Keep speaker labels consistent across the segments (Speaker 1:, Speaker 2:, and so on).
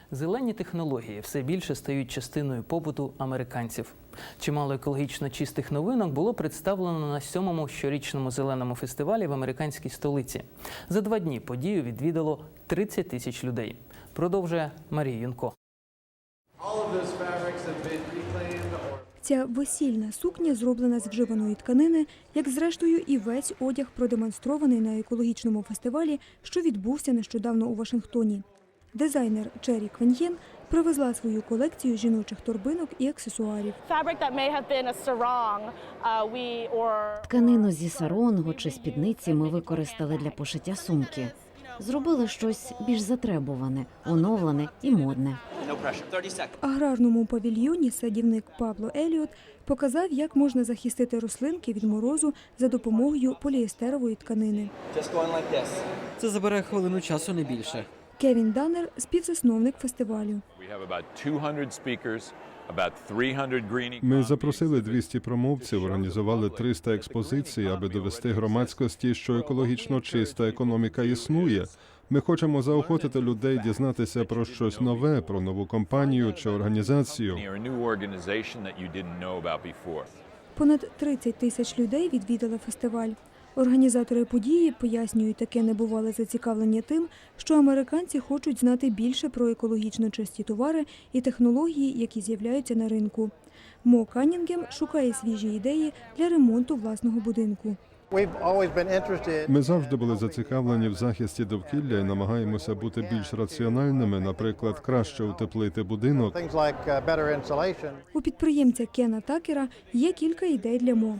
Speaker 1: Зелені технології все більше стають частиною побуту американців. Чимало екологічно чистих новинок було представлено на 7-му щорічному зеленому фестивалі в американській столиці. За 2 дні подію відвідало 30 тисяч людей. Продовжує Марія Юнко.
Speaker 2: Ця весільна сукня зроблена з вживаної тканини, як зрештою і весь одяг, продемонстрований на екологічному фестивалі, що відбувся нещодавно у Вашингтоні. Дизайнер Чері Квеньєн привезла свою колекцію жіночих торбинок і аксесуарів.
Speaker 3: Тканину зі саронгу чи спідниці ми використали для пошиття сумки. Зробили щось більш затребуване, оновлене і модне.
Speaker 2: В аграрному павільйоні садівник Пабло Еліот показав, як можна захистити рослинки від морозу за допомогою поліестерової тканини.
Speaker 4: Це забере хвилину часу, не більше.
Speaker 2: Кевін Даннер – співзасновник фестивалю.
Speaker 5: Ми запросили 200 промовців, організували 300 експозицій, аби довести громадськості, що екологічно чиста економіка існує. Ми хочемо заохотити людей дізнатися про щось нове, про нову компанію чи організацію.
Speaker 2: Понад 30 тисяч людей відвідали фестиваль. Організатори події пояснюють таке небувале зацікавлення тим, що американці хочуть знати більше про екологічно чисті товари і технології, які з'являються на ринку. Мо Каннінгем шукає свіжі ідеї для ремонту власного будинку.
Speaker 5: Ми завжди були зацікавлені в захисті довкілля і намагаємося бути більш раціональними, наприклад, краще утеплити будинок.
Speaker 2: У підприємця Кена Такера є кілька ідей для Мо.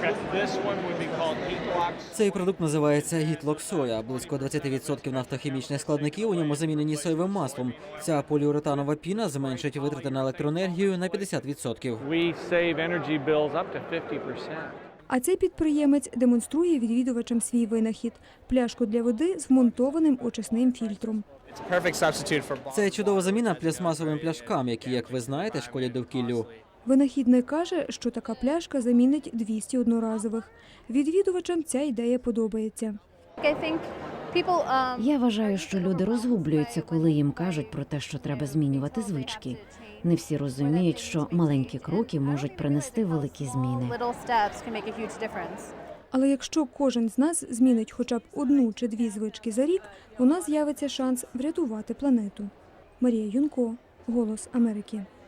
Speaker 4: Цей продукт називається Гітлок Соя. Близько 20% нафтохімічних складників у ньому замінені соєвим маслом. Ця поліуретанова піна зменшить витрати на електроенергію на 50%.
Speaker 2: А цей підприємець демонструє відвідувачам свій винахід – пляшку для води з вмонтованим очисним фільтром.
Speaker 4: Це чудова заміна пластмасовим пляшкам, які, як ви знаєте, шкодять довкіллю.
Speaker 2: Винахідник каже, що така пляшка замінить 200 одноразових. Відвідувачам ця ідея подобається.
Speaker 3: Я вважаю, що люди розгублюються, коли їм кажуть про те, що треба змінювати звички. Не всі розуміють, що маленькі кроки можуть принести великі зміни.
Speaker 2: Але якщо кожен з нас змінить хоча б 1 чи 2 звички за рік, у нас з'явиться шанс врятувати планету. Марія Юнко, «Голос Америки».